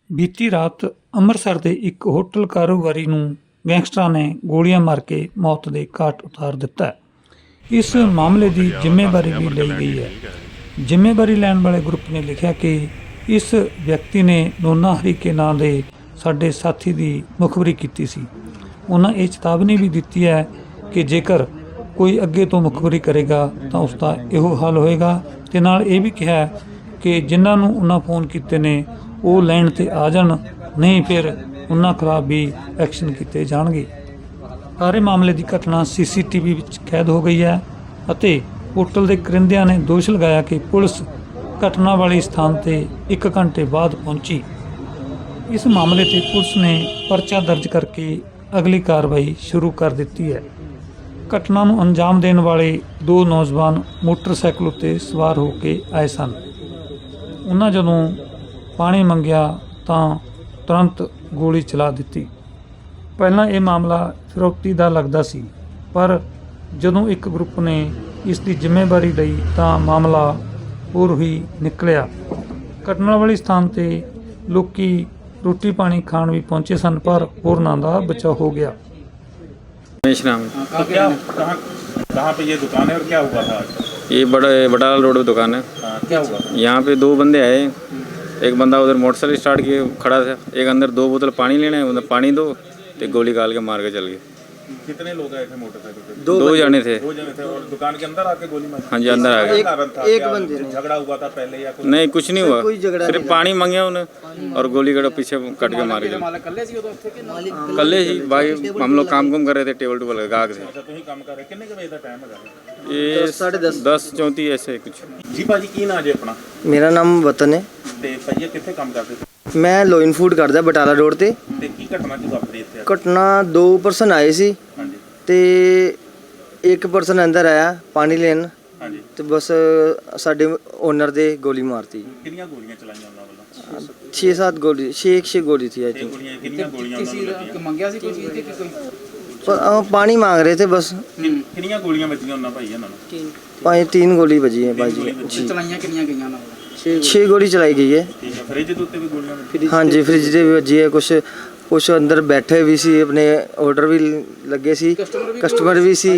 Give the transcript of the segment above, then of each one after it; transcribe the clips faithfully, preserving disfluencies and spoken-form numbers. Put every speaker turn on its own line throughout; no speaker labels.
ਬੀਤੀ ਰਾਤ ਅੰਮ੍ਰਿਤਸਰ ਦੇ ਇੱਕ ਹੋਟਲ ਕਾਰੋਬਾਰੀ ਨੂੰ ਗੈਂਗਸਟਰਾਂ ਨੇ ਗੋਲੀਆਂ ਮਾਰ ਕੇ ਮੌਤ ਦੇ ਘਾਟ ਉਤਾਰ ਦਿੱਤਾ ਹੈ। ਇਸ ਮਾਮਲੇ ਦੀ ਜ਼ਿੰਮੇਵਾਰੀ ਵੀ ਲਈ ਗਈ ਹੈ। ਜ਼ਿੰਮੇਵਾਰੀ ਲੈਣ ਵਾਲੇ ਗਰੁੱਪ ਨੇ ਲਿਖਿਆ ਕਿ ਇਸ ਵਿਅਕਤੀ ਨੇ ਨੋਨਾ ਹਰੀਕੇ ਨਾਂ ਦੇ ਸਾਡੇ ਸਾਥੀ ਦੀ ਮੁਖਬਰੀ ਕੀਤੀ ਸੀ। ਉਹਨਾਂ ਇਹ ਚੇਤਾਵਨੀ ਵੀ ਦਿੱਤੀ ਹੈ ਕਿ ਜੇਕਰ ਕੋਈ ਅੱਗੇ ਤੋਂ ਮੁਖਬਰੀ ਕਰੇਗਾ ਤਾਂ ਉਸ ਦਾ ਇਹੋ ਹਾਲ ਹੋਏਗਾ, ਤੇ ਨਾਲ ਇਹ ਵੀ ਕਿਹਾ ਕਿ ਜਿਨ੍ਹਾਂ ਨੂੰ ਉਹਨਾਂ ਫੋਨ ਕੀਤੇ ਨੇ ਉਹ ਲੈਣ ਤੇ ਆ ਜਾਣ, ਨਹੀਂ ਫਿਰ ਉਹਨਾਂ ਖਿਲਾਫ ਵੀ ਐਕਸ਼ਨ ਕੀਤੇ ਜਾਣਗੇ। ਸਾਰੇ ਮਾਮਲੇ ਦੀ ਘਟਨਾ ਸੀ ਸੀ ਟੀ ਵੀ ਵਿੱਚ ਕੈਦ ਹੋ ਗਈ ਹੈ ਅਤੇ ਹੋਟਲ ਦੇ ਕਰਿੰਦਿਆਂ ਨੇ ਦੋਸ਼ ਲਗਾਇਆ ਕਿ ਪੁਲਿਸ ਘਟਨਾ ਵਾਲੇ ਸਥਾਨ ਤੇ ਇੱਕ ਘੰਟੇ ਬਾਅਦ ਪਹੁੰਚੀ। ਇਸ ਮਾਮਲੇ ਤੇ ਪੁਲਿਸ ਨੇ ਪਰਚਾ ਦਰਜ ਕਰਕੇ ਅਗਲੀ ਕਾਰਵਾਈ ਸ਼ੁਰੂ ਕਰ ਦਿੱਤੀ ਹੈ। ਘਟਨਾ ਨੂੰ ਅੰਜਾਮ ਦੇਣ ਵਾਲੇ ਦੋ ਨੌਜਵਾਨ ਮੋਟਰਸਾਈਕਲ ਉੱਤੇ ਸਵਾਰ ਹੋ ਕੇ ਆਏ ਸਨ। ਉਹਨਾਂ ਜਦੋਂ ਪਾਣੀ ਮੰਗਿਆ ਤਾਂ ਤੁਰੰਤ ਗੋਲੀ ਚਲਾ ਦਿੱਤੀ। ਪਹਿਲਾਂ ਇਹ ਮਾਮਲਾ ਫਿਰੌਤੀ ਦਾ ਲੱਗਦਾ ਸੀ, ਪਰ ਜਦੋਂ ਇੱਕ ਗਰੁੱਪ ਨੇ ਇਸ ਦੀ ਜ਼ਿੰਮੇਵਾਰੀ ਲਈ ਤਾਂ ਮਾਮਲਾ ਹੋਰ ਹੀ ਨਿਕਲਿਆ। ਘਟਨਾ ਵਾਲੇ ਸਥਾਨ ਤੇ ਲੋਕੀ रोटी पानी खान भी पहुंचे सन, पर होरनां दा बचाव हो गया।
राम
तो क्या कहाँ कहाँ पे ये दुकान है और क्या हुआ था आज?
ये बड़ा बटाला रोड पे दुकान है।
हाँ, क्या हुआ?
यहाँ पे दो बंदे आए, एक बंदा उधर मोटरसाइकिल स्टार्ट किए खड़ा था, एक अंदर दो बोतल पानी लेने, उधर पानी दो तो गोली काल के मार के चल गए।
कितने लोग आए थे मोटरसाइकिल पे?
दो, दो जने थे।
दो जने थे और दुकान के अंदर आके गोली मारी?
हाँ जी, अंदर आ गए।
क्या कारण था?
एक
क्या
बंदे ने।
झगड़ा हुआ था पहले या कुछ?
नहीं, कुछ नहीं हुआ,
कोई झगड़ा
सिर्फ पानी मांगे उन्हें और गोली कड़ा पीछे कट के मार के कल्ले ही भाई। हम लोग काम कुम कर रहे थे, टेबल टूबल गाहक थे।
अच्छा, तुम ही काम कर रहे? कितने के बजे का टाइम है?
ये
साढ़े दस
दस चौंतीस ऐसे कुछ।
जी भाजी की ना जे अपना
मेरा नाम वतन है।
ते भैया कितने काम करते थे?
मैं लोइन फूड करदा बटाला रोड ते।
ते की घटना की वापरी इत्थे?
घटना दो परसन आए सी
हाँ जी
ते एक परसन अंदर आया पानी लेन
हाँ जी।
ते बस साडे ओनर दे गोली मारती।
कितनी गोलियां चलाईयां उन्हां ਵੱਲੋਂ?
छे सात गोली छे छे गोली थी आई
छह
थिंक।
गोलियां कितनी गोलियां उन्हां ਨੂੰ ਲੱਗੀਆਂ?
ਮੰਗਿਆ ਸੀ ਕੋਈ ਚੀਜ਼ ਤੇ ਕੋਈ
पर आ, पानी मांग रहे थे बस।
ਕਿੰਨੀਆਂ ਗੋਲੀਆਂ ਵੱਜੀਆਂ ਉਹਨਾਂ ਭਾਈ ਇਹਨਾਂ ਨੂੰ?
पाँच तीन गोली बजी है भाई जी। जी
ਚਲਾਈਆਂ ਕਿੰਨੀਆਂ ਗਈਆਂ ਨਾਲ?
छह गोली चलाई गई है।
ਠੀਕ ਹੈ। ਫ੍ਰਿਜ ਦੇ ਉੱਤੇ ਵੀ ਗੋਲੀਆਂ ਵੱਜੀਆਂ?
हाँ जी, फ्रिज दे भी बजी है। कुछ कुछ अंदर बैठे भी सी, अपने ऑर्डर भी लगे सी, कस्टमर भी सी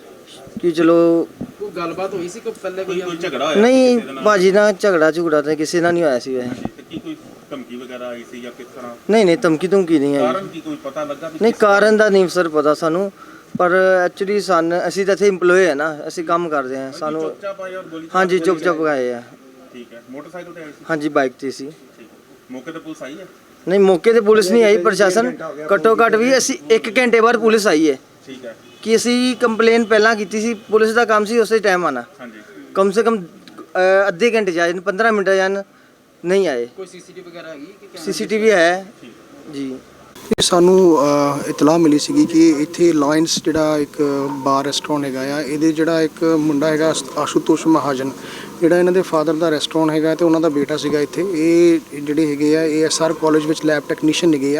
कि चलो।
ਕੋਈ ਗੱਲਬਾਤ ਹੋਈ ਸੀ ਕੋਈ ਪਹਿਲੇ
ਕੋਈ
ਕੋਈ
ਕੋਈ ਝਗੜਾ ਹੋਇਆ
नहीं
ਕਿਸੇ ਦੇ ਨਾਲ?
भाजी ना झगड़ा झुगड़ा तो किसी ना नहीं होया सी वैसे।
ਤੇ ਕੀ ਕੋਈ ਧਮਕੀ ਵਗੈਰਾ ਆਈ ਸੀ ਜਾਂ ਕਿਸ ਤਰ੍ਹਾਂ?
नहीं नहीं धमकी धुमकी नहीं आई।
ਕਾਰਨ ਕੀ ਕੋਈ ਪਤਾ ਲੱਗਾ ਵੀ
नहीं
ਕਿਸ-
ਕਾਰਨ ਦਾ ਨਹੀਂ ਸਰ ਪਤਾ ਸਾਨੂੰ, ਪਰ ਐਕਚੁਅਲੀ ਸਨ ਅਸੀਂ ਤਾਂ ਇੱਥੇ EMPLOYE ਹੈ ਨਾ, ਅਸੀਂ ਕੰਮ ਕਰਦੇ ਹਾਂ। ਸਾਨੂੰ
ਚੁੱਪਚਾਪ ਆਏ ਔਰ ਗੋਲੀ
ਹਾਂਜੀ
ਗੋਲੀ
ਚੁੱਪ ਚੁੱਪ
ਚਲਾਈ?
ਗਏ ਆ।
ਠੀਕ ਹੈ। ਮੋਟਰਸਾਈਕਲ ਤੇ ਆਏ ਸੀ?
ਹਾਂਜੀ ਬਾਈਕ ਤੇ ਸੀ।
ਠੀਕ ਹੈ। ਮੌਕੇ ਤੇ ਪੁਲਿਸ ਆਈ ਹੈ?
ਨਹੀਂ ਮੌਕੇ ਤੇ ਪੁਲਿਸ ਨਹੀਂ ਆਈ, ਪ੍ਰਸ਼ਾਸਨ ਘੱਟੋ ਘੱਟ ਵੀ ਅਸੀਂ ਇੱਕ ਘੰਟੇ ਬਾਅਦ ਪੁਲਿਸ ਆਈ ਹੈ
ਠੀਕ ਹੈ।
ਕਿ ਅਸੀਂ ਕੰਪਲੇਨ ਪਹਿਲਾਂ ਕੀਤੀ ਸੀ। ਪੁਲਿਸ ਦਾ ਕੰਮ ਸੀ ਉਸੇ ਟਾਈਮ ਆਣਾ,
ਹਾਂਜੀ
ਕਮ ਸੇ ਕਮ ਅ, ਅੱਧੇ ਘੰਟੇ ਜਾਏ ਪੰਦਰਾਂ ਮਿੰਟ ਜਾਣ, ਨਹੀਂ ਆਏ।
ਕੋਈ ਸੀਸੀਟੀਵੀ ਵਗੈਰਾ ਹੈਗੀ ਕਿ
ਸੀਸੀਟੀਵੀ ਹੈ ਜੀ।
ਇਹ ਸਾਨੂੰ ਅ, ਇਤਲਾਹ ਮਿਲੀ ਸੀਗੀ ਕਿ ਇੱਥੇ ਲਾਇਨਸ ਜਿਹੜਾ ਇੱਕ ਬਾਰ ਰੈਸਟੋਰੈਂਟ ਹੈਗਾ ਆ, ਇਹਦੇ ਜਿਹੜਾ ਇੱਕ ਮੁੰਡਾ ਹੈਗਾ ਆਸ਼ੂਤੋਸ਼ ਮਹਾਜਨ, ਜਿਹੜਾ ਇਹਨਾਂ ਦੇ ਫਾਦਰ ਦਾ ਰੈਸਟੋਰੈਂਟ ਹੈਗਾ ਤੇ ਉਹਨਾਂ ਦਾ ਬੇਟਾ ਸੀਗਾ ਇੱਥੇ। ਇਹ ਜਿਹੜੇ ਹੈਗੇ ਆ ਏ ਐਸ ਆਰ ਕਾਲਜ ਵਿੱਚ ਲੈਬ ਟੈਕਨੀਸ਼ੀਅਨ ਹੈਗੇ ਆ।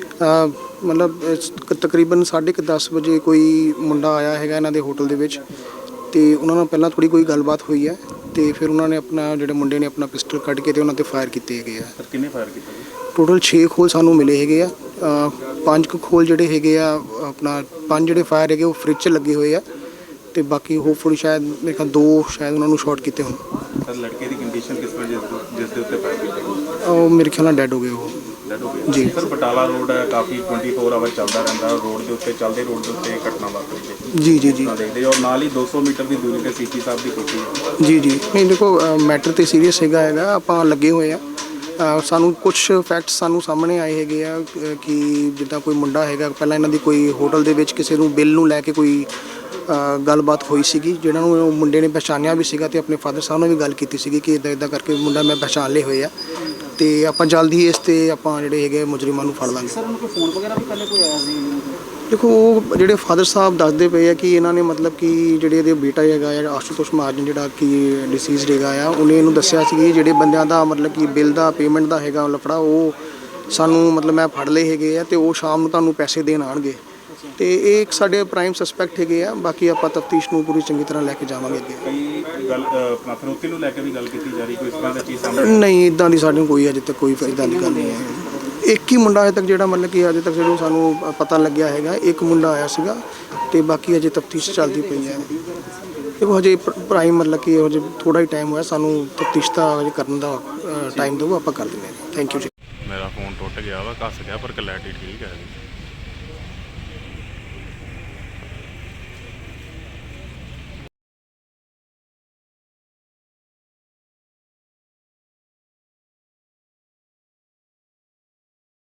ਅ, ਮਤਲਬ ਇਸ- ਤਕਰੀਬਨ ਸਾਢੇ ਕੁ ਦਸ ਵਜੇ ਕੋਈ ਮੁੰਡਾ ਆਇਆ ਹੈਗਾ ਇਹਨਾਂ ਦੇ ਹੋਟਲ ਦੇ ਵਿੱਚ, ਤੇ ਉਹਨਾਂ ਨਾਲ ਪਹਿਲਾਂ ਥੋੜੀ ਕੋਈ ਗੱਲਬਾਤ ਹੋਈ ਹੈ ਤੇ ਫਿਰ ਉਹਨਾਂ ਨੇ ਆਪਣਾ ਜਿਹੜੇ ਮੁੰਡੇ ਨੇ ਆਪਣਾ ਪਿਸਟਲ ਕੱਢ ਕੇ ਤੇ ਉਹਨਾਂ ਤੇ ਫਾਇਰ ਕੀਤੇ ਹੈਗੇ ਆ।
ਸਰ ਕਿੰਨੇ ਫਾਇਰ ਕੀਤਾ ਜੀ?
ਟੋਟਲ ਛੇ ਖੋਲ ਸਾਨੂੰ ਮਿਲੇ ਹੈਗੇ ਆ। ਅ, ਪੰਜ ਕੁ ਖੋਲ ਜਿਹੜੇ ਹੈਗੇ ਆ ਆਪਣਾ ਪੰਜ ਜਿਹੜੇ ਫਾਇਰ ਹੈਗੇ ਉਹ ਫ੍ਰਿਜ 'ਚ ਲੱਗੇ ਹੋਏ ਆ, ਤੇ ਬਾਕੀ ਹੋਪਫੁਲੀ ਸ਼ਾਇਦ ਮੇਰੇ ਖਿਆਲ ਦੋ ਸ਼ਾਇਦ ਉਹਨਾਂ ਨੂੰ ਸ਼ਾਰਟ ਕੀਤੇ ਹੋਣ।
ਸਰ ਲੜਕੇ ਦੀ ਕੰਡੀਸ਼ਨ ਕਿਸ ਵਜ੍ਹਾ ਜਿਸ ਜਿਸ ਦੇ ਉੱਤੇ ਫਾਇਰ ਕੀਤਾ?
ਉਹ ਮੇਰੇ ਖਿਆਲ ਨਾਲ ਡੈਡ ਹੋ ਗਏ ਉਹ।
ਡੈਡ ਹੋ ਗਏ
ਜੀ।
ਸਰ ਬਟਾਲਾ ਰੋਡ ਹੈ, ਕਾਫੀ ਚੌਵੀ ਆਵਰ ਚੱਲਦਾ ਰਹਿੰਦਾ ਰੋਡ ਦੇ ਉੱਤੇ, ਚੱਲਦੇ ਰੋਡ ਦੇ ਉੱਤੇ ਇਹ ਘਟਨਾ ਵਾਪਰੀ ਹੈ
ਜੀ ਜੀ ਜੀ
ਤਾਂ ਦੇਖਦੇ ਔਰ ਨਾਲ ਹੀ ਦੋ ਸੌ ਮੀਟਰ ਦੀ ਦੂਰੀ ਤੇ ਸੀਪੀ ਸਾਹਿਬ ਦੀ ਕੋਠੀ ਹੈ।
ਜੀ ਜੀ ਨਹੀਂ ਦੇਖੋ ਮੈਟਰ ਤੇ ਸੀਰੀਅਸ ਹੈਗਾ ਹੈਗਾ ਆਪਾਂ ਲੱਗੇ ਹੋਏ ਆ। ਅ, ਸਾਨੂੰ ਕੁਝ ਫੈਕਟਸ ਸਾਨੂੰ ਸਾਹਮਣੇ ਆਏ ਹੈਗੇ ਆ ਅ, ਕਿ ਜਿੱਦਾਂ ਕੋਈ ਮੁੰਡਾ ਹੈਗਾ ਪਹਿਲਾਂ ਇਹਨਾਂ ਦੀ ਕੋਈ ਹੋਟਲ ਦੇ ਵਿੱਚ ਕਿਸੇ ਨੂੰ ਬਿੱਲ ਨੂੰ ਲੈ ਕੇ ਕੋਈ ਅ, ਗੱਲਬਾਤ ਹੋਈ ਸੀਗੀ, ਜਿਹਨਾਂ ਨੂੰ ਉਹ ਮੁੰਡੇ ਨੇ ਪਛਾਣਿਆ ਵੀ ਸੀਗਾ ਤੇ ਆਪਣੇ ਫਾਦਰ ਸਾਹਿਬ ਨਾਲ ਵੀ ਗੱਲ ਕੀਤੀ ਸੀਗੀ ਕਿ ਇਦਾਂ ਇਦਾਂ ਕਰਕੇ ਮੁੰਡਾ ਮੈਂ ਪਛਾਣ ਲਏ ਹੋਏ ਆ, ਤੇ ਆਪਾਂ ਜਲਦੀ ਹੀ ਇਸ ਤੇ ਆਪਾਂ ਜਿਹੜੇ ਹੈਗੇ ਮੁਜਰਮਾਂ ਨੂੰ ਫੜ ਲਾਂਗੇ।
ਸਰ ਉਹਨੂੰ ਕੋਈ ਫੋਨ ਵਗੈਰਾ ਵੀ ਪਹਿਲੇ ਕੋਈ ਆਇਆ ਸੀ?
ਦੇਖੋ ਉਹ ਜਿਹੜੇ ਫਾਦਰ ਸਾਹਿਬ ਦੱਸਦੇ ਪਏ ਆ ਕਿ ਇਹਨਾਂ ਨੇ ਮਤਲਬ ਕਿ ਜਿਹੜੇ ਇਹਦੇ ਬੇਟਾ ਹੈਗਾ ਆ ਆਸ਼ੂਤੋਸ਼ ਮਹਾਜਨ ਜਿਹੜਾ ਕਿ ਡਿਸੀਜ਼ਡ ਹੈਗਾ ਆ, ਉਹਨੇ ਇਹਨੂੰ ਦੱਸਿਆ ਸੀ ਕਿ ਜਿਹੜੇ ਬੰਦਿਆਂ ਦਾ ਮਤਲਬ ਕਿ ਬਿੱਲ ਦਾ ਪੇਮੈਂਟ ਦਾ ਹੈਗਾ ਲਫੜਾ ਉਹ ਸਾਨੂੰ ਮਤਲਬ ਮੈਂ ਫੜ ਲਏ ਹੈਗੇ ਆ ਤੇ ਉਹ ਸ਼ਾਮ ਨੂੰ ਤੁਹਾਨੂੰ ਪੈਸੇ ਦੇਣ ਆਉਣਗੇ। ਤੇ ਇਹ ਇੱਕ ਸਾਡੇ ਪ੍ਰਾਈਮ ਸਸਪੈਕਟ ਹੈਗੇ ਆ। ਬਾਕੀ ਆਪਾਂ ਤਫਤੀਸ਼ ਨੂੰ ਪੂਰੀ ਚੰਗੀ ਤਰ੍ਹਾਂ ਲੈ ਕੇ ਜਾਵਾਂਗੇ ਅੱਗੇ।
ਕਈ ਗੱਲ ਅ, ਆਪਣਾ ਫਿਰੋਤੀ ਨੂੰ ਲੈ ਕੇ ਵੀ ਗੱਲ ਕੀਤੀ ਜਾ ਰਹੀ ਕੋਈ ਇਸ ਤਰ੍ਹਾਂ ਦੀ ਚੀਜ਼ ਸਾਹਮਣੇ
ਨਹੀਂ, ਇਦਾਂ ਦੀ ਸਾਨੂੰ ਕੋਈ ਅਜੇ ਤੱਕ ਕੋਈ ਇਦਾਂ ਦੀ ਗੱਲ ਨਹੀਂ ਹੈ। ਇੱਕ ਹੀ ਮੁੰਡਾ ਅਜੇ ਤੱਕ ਜਿਹੜਾ ਮਤਲਬ ਕਿ ਅਜੇ ਤੱਕ ਜਿਹੜਾ ਸਾਨੂੰ ਪਤਾ ਲੱਗਿਆ ਹੈਗਾ, ਇੱਕ ਮੁੰਡਾ ਆਇਆ ਸੀਗਾ ਤੇ ਬਾਕੀ ਅਜੇ ਤਫਤੀਸ਼ ਚੱਲਦੀ ਪਈ ਹੈ। ਦੇਖੋ ਹਜੇ ਪ੍ਰਾਈਮ ਮਤਲਬ ਕਿ ਹਜੇ ਥੋੜਾ ਹੀ ਟਾਈਮ ਹੋਇਆ, ਸਾਨੂੰ ਤਫਤੀਸ਼ ਦਾ ਹਜੇ ਕਰਨ ਦਾ ਟਾਈਮ ਦਿਓ, ਆਪਾਂ ਕਰ ਦਿੰਦੇ ਹਾਂ। ਥੈਂਕ ਯੂ ਜੀ।
ਮੇਰਾ ਫੋਨ ਟੁੱਟ ਗਿਆ ਵਾ, ਘਸ ਗਿਆ, ਪਰ ਕਲੈਰਿਟੀ ਠੀਕ ਹੈ।